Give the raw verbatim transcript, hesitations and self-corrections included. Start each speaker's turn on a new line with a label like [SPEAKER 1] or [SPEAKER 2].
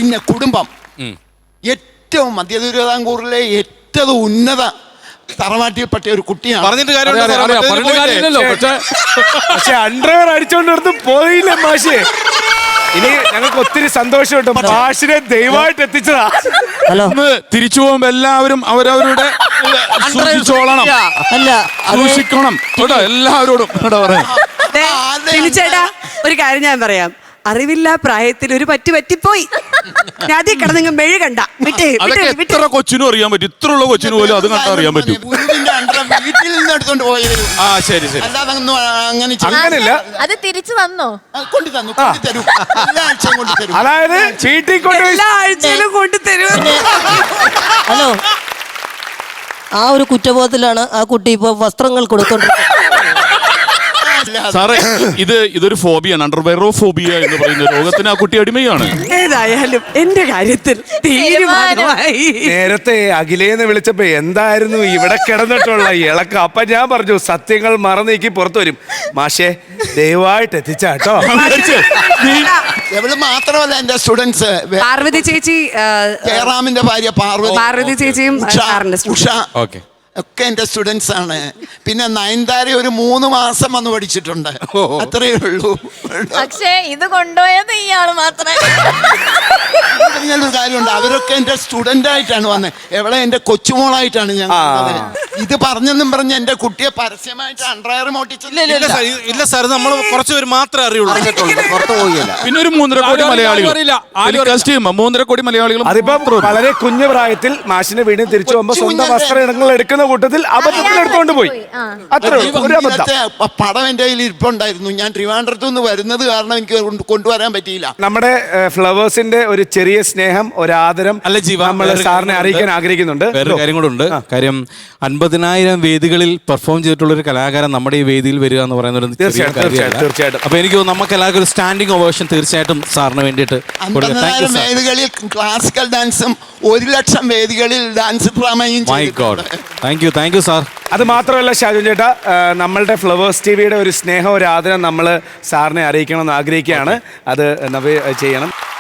[SPEAKER 1] പിന്നെ കുടുംബം ഏറ്റവും മധ്യ തിരുവിതാംകൂറിലെ ഏറ്റവും ഉന്നത തറവാട്ടിൽപ്പെട്ട ഒരു കുട്ടിയാണ്.
[SPEAKER 2] പറഞ്ഞിട്ട് കാര്യമില്ലല്ലോ.
[SPEAKER 3] പക്ഷെ അണ്ടർവെയർ അടിച്ചോണ്ടിടത്ത് പോയില്ല മാഷേ. ഇനി ഞങ്ങൾക്ക് ഒത്തിരി സന്തോഷമുണ്ട്. മാഷിനെ ദയവായിട്ട് എത്തിച്ചതാ.
[SPEAKER 4] ഹലോ,
[SPEAKER 2] തിരിച്ചു പോകുമ്പോ എല്ലാവരും അവരവരുടെ സൂക്ഷിച്ചോളണം,
[SPEAKER 4] അല്ല
[SPEAKER 2] സൂക്ഷിക്കണം കേട്ടോ എല്ലാവരോടും.
[SPEAKER 5] ചേട്ടാ ഒരു കാര്യം ഞാൻ പറയാം, അറിവില്ല പ്രായത്തിൽ ഒരു പറ്റി പറ്റിപ്പോയി. ആദ്യം കിടന്നെങ്കിൽ മെഴു കണ്ട
[SPEAKER 2] ഇത്ര കൊച്ചിനും അറിയാൻ പറ്റും, ഇത്ര ഉള്ള കൊച്ചിനും പോലും അത് കണ്ടാ അറിയാൻ പറ്റും.
[SPEAKER 1] വീട്ടിൽ നിന്ന് എടുത്തോണ്ട് പോയത്.
[SPEAKER 2] ആ ശരി ശരി.
[SPEAKER 1] അങ്ങനെ
[SPEAKER 3] അങ്ങനെയല്ല,
[SPEAKER 6] അത് തിരിച്ചു തന്നോ?
[SPEAKER 1] കൊണ്ടു തന്നു, കൊണ്ടുതരും, എല്ലാ ആഴ്ചയും കൊണ്ടുതരും.
[SPEAKER 3] അതായത് ചീട്ടി കൊണ്ട്
[SPEAKER 5] എല്ലാ ആഴ്ചയിലും കൊണ്ടുതരും.
[SPEAKER 4] ഹലോ, ആ ഒരു കുറ്റബോധത്തിലാണ് ആ കുട്ടി ഇപ്പൊ വസ്ത്രങ്ങൾ കൊടുത്തോണ്ടിരിക്കുന്നത്.
[SPEAKER 2] സാറേ, ഇത് ഇതൊരു ഫോബിയാണ്, അണ്ടർവെയറോ ഫോബിയ എന്ന് പറയുന്ന രോഗത്തിന് ആ കുട്ടി അടിമയാണ്.
[SPEAKER 5] ഏതായാലും എന്റെ കാര്യത്തിൽ തീരുമാനമായി.
[SPEAKER 3] നേരത്തെ അഖിലേന്ന് വിളിച്ചപ്പോ എന്തായിരുന്നു ഇവിടെ കിടന്നിട്ടുള്ള ഇളക്കം. അപ്പൊ ഞാൻ പറഞ്ഞു സത്യങ്ങൾ മറന്നീക്കി പുറത്തു വരും. മാഷേ ദയവായിട്ട് എത്തിച്ചാട്ടോ.
[SPEAKER 1] എവിടെ മാത്രമല്ല എന്റെ സ്റ്റുഡൻസ്,
[SPEAKER 5] പാർവതി ചേച്ചി,
[SPEAKER 1] ജയറാമിന്റെ ഭാര്യ പാർവതി,
[SPEAKER 5] പാർവതി ചേച്ചിയും
[SPEAKER 1] ഉഷ ഒക്കെ എന്റെ സ്റ്റുഡൻസ് ആണ്. പിന്നെ നയൻതാര ഒരു മൂന്ന് മാസം വന്ന് പഠിച്ചിട്ടുണ്ട്, അത്രയേ ഉള്ളൂ.
[SPEAKER 6] പക്ഷേ ഇത് കൊണ്ടുപോയത് ഇയാള് മാത്രമേ.
[SPEAKER 1] ഒരു കാര്യമുണ്ട്, അവരൊക്കെ എന്റെ സ്റ്റുഡന്റ് ആയിട്ടാണ് വന്നത്. എവിടെ എന്റെ കൊച്ചുമോളായിട്ടാണ് ഞാൻ. ഇത് പറഞ്ഞെന്നും പറഞ്ഞ് എന്റെ കുട്ടിയെ പരസ്യമായിട്ട് അണ്ടർവെയർ മോട്ടിച്ചില്ല.
[SPEAKER 2] ഇല്ല സാർ, നമ്മൾ കുറച്ച് പേര് മാത്രമേ അറിയുള്ളൂ,
[SPEAKER 1] പുറത്തു പോയില്ല.
[SPEAKER 2] പിന്നെ ഒരു മൂന്നര കോടി മലയാളികൾ, മൂന്നര കോടി മലയാളികൾ.
[SPEAKER 3] അതിപ്പോ വളരെ കുഞ്ഞു പ്രായത്തിൽ മാഷിന്റെ വീടിന് തിരിച്ചു പോകുമ്പോ സ്വന്തം വസ്ത്രയിടങ്ങൾ എടുക്കുന്ന കൂട്ടത്തിൽ അബദ്ധത്തിൽ എടുത്തോണ്ട് പോയി. അത്ര ഒരു അബദ്ധം.
[SPEAKER 1] പടം എന്റെ കയ്യിൽ ഇരിപ്പുണ്ടായിരുന്നു. ഞാൻ ട്രിവാൻഡ്രത്തു നിന്ന് വരുന്നത് കാരണം എനിക്ക് കൊണ്ടുവരാൻ പറ്റിയില്ല.
[SPEAKER 3] നമ്മുടെ ഫ്ലവേഴ്സിന്റെ ഒരു ചെറിയ സ്നേഹം, ഒരു ആദരം അല്ല ജീവ നമ്മൾ സാറിനെ അറിയിക്കാൻ ആഗ്രഹിക്കുന്നുണ്ട്.
[SPEAKER 2] വേറൊരു കാര്യം കൂടെ ഉണ്ട്. കാര്യം അൻപതിനായിരം വേദികളിൽ പെർഫോം ചെയ്തിട്ടുള്ള ഒരു കലാകാരൻ നമ്മുടെ ഈ വേദിയിൽ വരിക എന്ന് പറയുന്നത്
[SPEAKER 3] തീർച്ചയായിട്ടും.
[SPEAKER 2] അപ്പൊ എനിക്ക് നമുക്ക് എല്ലാവർക്കും ഒരു സ്റ്റാൻഡിംഗ് ഓവേഷൻ തീർച്ചയായിട്ടും സാറിന് വേണ്ടിയിട്ട്.
[SPEAKER 1] അൻപതിനായിരം വേദികളിൽ ക്ലാസിക്കൽ ഡാൻസും ഒരു ലക്ഷം വേദികളിൽ ഡാൻസ് ഡ്രാമയും.
[SPEAKER 2] Thank you thank you sir.
[SPEAKER 3] അത് മാത്രമല്ല ഷാജുൻ ചേട്ടാ, നമ്മളുടെ ഫ്ലവേഴ്സ് ടി വിയുടെ ഒരു സ്നേഹം, ഒരു ആദരം നമ്മൾ സാറിനെ അറിയിക്കണം എന്ന് ആഗ്രഹിക്കുകയാണ്. അത് ചെയ്യണം.